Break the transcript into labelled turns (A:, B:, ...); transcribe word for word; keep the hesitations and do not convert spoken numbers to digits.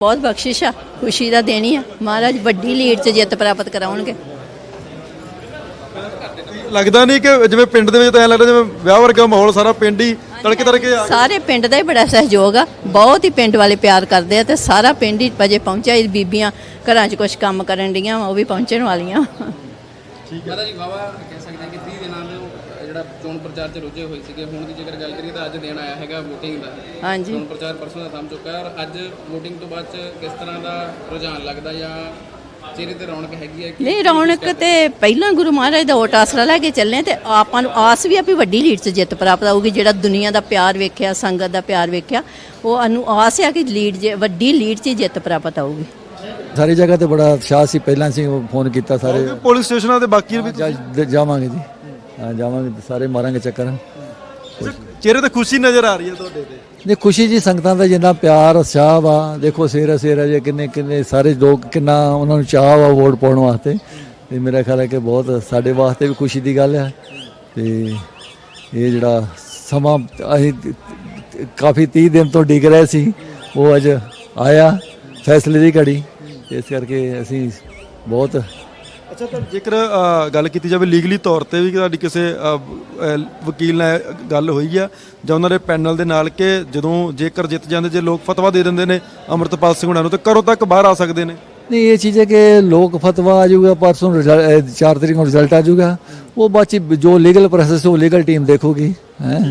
A: बहुत बख्शिश आ, खुशी का दिन ही आ। महाराज वड्डी लीड च जित प्राप्त कराउणगे।
B: लगता नहीं कि जिवें पिंड दे विच तां ऐं लगदा जिवें विआह वर्गा माहौल सारा पिंड ही तड़के तड़के आ
A: सारे पिंड का ही बड़ा सहयोग आ, बहुत ही पिंड वाले प्यार करते हैं, तो सारा पिंड ही अजे पहुंचा। बीबियां घरां च कुछ काम करन डीआं वो भी पहुंचण वालियां।
C: ਮਾਤਾ ਜੀ ਵਾਵਾ ਕਹਿ ਸਕਦੇ ਹਾਂ ਕਿ ਤੀਹ ਦਿਨਾਂ ਨੂੰ ਜਿਹੜਾ ਚੋਣ ਪ੍ਰਚਾਰ 'ਚ ਰੁੱਝੇ ਹੋਏ ਸੀਗੇ, ਹੁਣ ਦੀ ਜੇਕਰ ਗੱਲ ਕਰੀਏ ਤਾਂ ਅੱਜ ਦਿਨ ਆਇਆ ਹੈਗਾ VOTING ਦਾ।
A: ਹਾਂਜੀ,
C: ਚੋਣ ਪ੍ਰਚਾਰ ਪਰਸੋਂ ਦਾ ਥੰਮ ਚੁੱਕਾ ਹੈ, ਔਰ ਅੱਜ VOTING ਤੋਂ ਬਾਅਦ 'ਚ ਕਿਸ ਤਰ੍ਹਾਂ ਦਾ ਰੁਝਾਨ ਲੱਗਦਾ ਜਾਂ ਚਿਹਰੇ ਤੇ ਰੌਣਕ ਹੈਗੀ ਹੈ?
A: नहीं रौनक तो पहला गुरु महाराज का ओट आसरा लैके चलने, तो आपां नूं आस भी आ भी वड्डी लीड च जित प्राप्त होगी। जिहड़ा दुनिया का प्यार वेख्या, संगत का प्यार वेख्या, वो सानूं आस है कि लीड जे वड्डी लीड च जित प्राप्त होगी।
D: सारी जगह तो बड़ा उत्साह से पहला से फोन किया सारे
B: पुलिस स्टेशनों ते बाकी भी
D: जा- जावांगे जी। हाँ जावांगे, सारे मारांगे चक्कर।
B: चेहरे ते खुशी नजर आ रही है तुहाडे ते।
D: नहीं खुशी जी, संगतां दा जिन्ना प्यार उत्साह वा, देखो सेरा सेरा जे किन्ने किन्ने सारे लोग किन्ना उन्हां नूं चाह वा वोट पाउण वास्ते। ते मेरा ख्याल है कि बहुत साडे वास्ते भी खुशी दी गल है। ते ये जिहड़ा समां असीं काफ़ी तीह दिन तो डिग रहे सी, वो अज आया फैसले दी घड़ी। इस करके असीं बहुत
B: अच्छा, तो जेकर गल की जाए लीगली तौर पर भी तुहाडी किसी वकील नाल गल हुई है जां उन्हां दे पैनल दे नाल कि जदों जेकर जित जाते जे लोग फतवा दे दिंदे ने अमृतपाल सिंह हुणां नूं, तो करों तक बाहर आ सकते हैं?
D: नहीं, ये चीज़ है कि लोग फतवा आ जाऊगा, परसों रिजल्ट चार तरीक को रिजल्ट आ जाऊगा, वो बाकी जो लीगल प्रोसेस है वो लीगल टीम देखोगी। हैं